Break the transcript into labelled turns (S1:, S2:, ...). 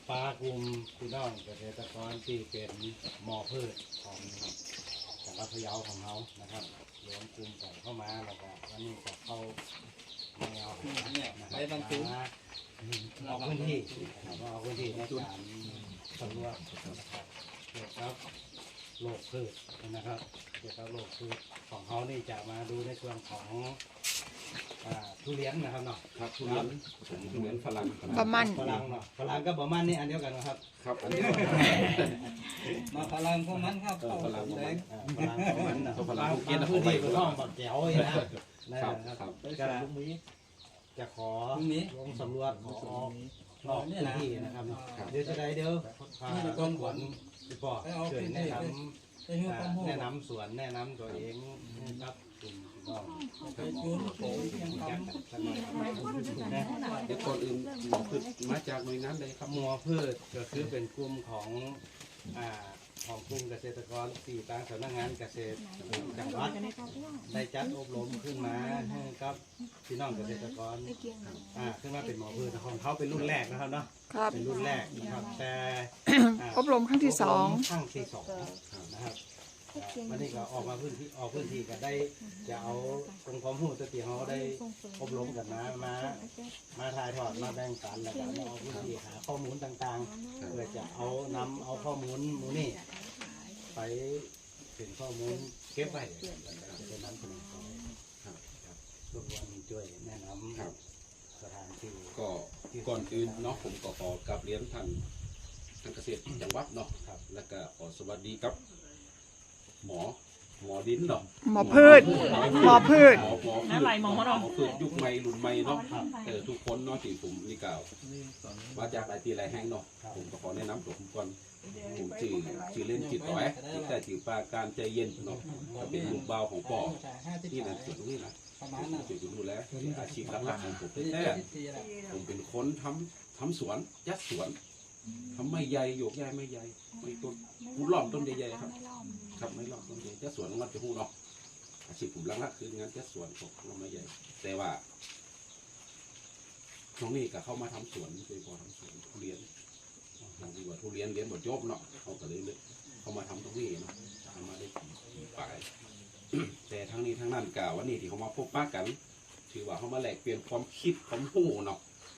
S1: ปลากลุ่มพี่น้องเกษตรกรที่เป็นหมอพืชของจังหวัดพะเยาของเขานะครับรวมกลุ่มกันเข้ามาแล้วก็วันนี้ก็เข้าแนวนะครับออกพื้นที่นะครับออกพื้นที่ในการสำรวจนะครับเกี่ยวกับโรคพืชนะครับเกี่ยวกับโรคพืชของเขานี่จะมาดูในส่วนของทุเรียนนะครับเนาะ
S2: ครับทุเรียนทุเรียนฝรั่ง
S3: บะมัน
S1: ฝรั่งเนาะฝรั่งกับบะมันนี่อันเดียวกันนะครับ
S2: ครับอันนี้
S4: มาพลังพวกมันครับ
S2: ฝรั่งแดง
S1: ฝรั่งบะมันนะ
S2: ฝรั่ง
S1: บางพื้นที่ก็ต้องบักแก้วนะครับจะขอลงสำรวจขอออกนอกพื้นที่นะครับเดี๋ยวจะได้เดี๋ยวต้นขวัญพี่ปอช่วยแนะนำสวนแนะนำตัวเองครับคุณน้อง
S2: เดี๋ยวก่อนอื่นหมอพืชมาจากหน่วยงานใดครับ
S1: หมอพืชก็คือเป็นกลุ่มของกลุ่มเกษตรกรที่ตั้งสำนักงานเกษตรจังหวัดได้จัดอบรมขึ้นมาให้กับพี่น้องเกษตรกรขึ้นมาเป็นหมอพืชของเขาเป็นรุ่นแรกนะครับเนาะเป็นรุ่นแรกนะครับแต่
S3: อบรมครั้งที่สอง
S1: นะครับวันนี้ก็ออกพื้นที่ก็ได้จะเอาองค์ความรู้ตัวที่เขาได้อบรมกันมาถ่ายทอดมาแบ่งปันแล้วก็มาเอาพื้นที่หาข้อมูลต่างๆเพื่อจะนำเอาข้อมูลมูนี่ไปเป็นข้อมูลเก็บไว้จะนำเสนอทุกวันช่วยแนะนำสถานที่
S2: ก็ก่อนอื่นเนาะผมก็ขอกราบเรียนท่านเกษตรจังหวัดเนาะแล้วก็ขอสวัสดีครับหมอดินเนาะ
S3: หมอพืชหมอพืช
S2: หมอพืชยุคใหม่รุ่นใหม่เนาะทุกคนเนาะที่ผมนี่กล่าวมาจากหลายที่หลายแห่งเนาะผมก็ขอแนะนำตัวผมก่อนผมชื่อเล่นจิตต่อยแต่ชื่อปาการใจเย็นเนาะเป็นลูกบ่าวของป่อที่นั่นส่วนนี้นะช่วยดูแลอาชีพหลักๆของผมแต่ผมเป็นคนทำสวนยัดสวนทำไม่ใหญ่โยกใหญ่ไม่ใหญ่ไม่ต้นหูหล่อมต้นใหญ่ๆครับไม่หล่อมต้นใหญ่ยัดสวนงัดจะหูเนาะอาชีพผมหลักๆคืองานยัดสวนของเราไม่ใหญ่แต่ว่าน้องนี่ก็เข้ามาทำสวนเคยพอทำสวนทุเรียนทำดีกว่าทุเรียนเรียนบทจบเนาะเขาก็เลยเขามาทำตรงนี้เนาะทำมาได้ปลายแต่ทั้งนี้ทั้งนั้นกล่าวว่านี่ที่เขามาพบปะกันถือว่าเขามาแลกเปลี่ยนความคิดความหูเนาะ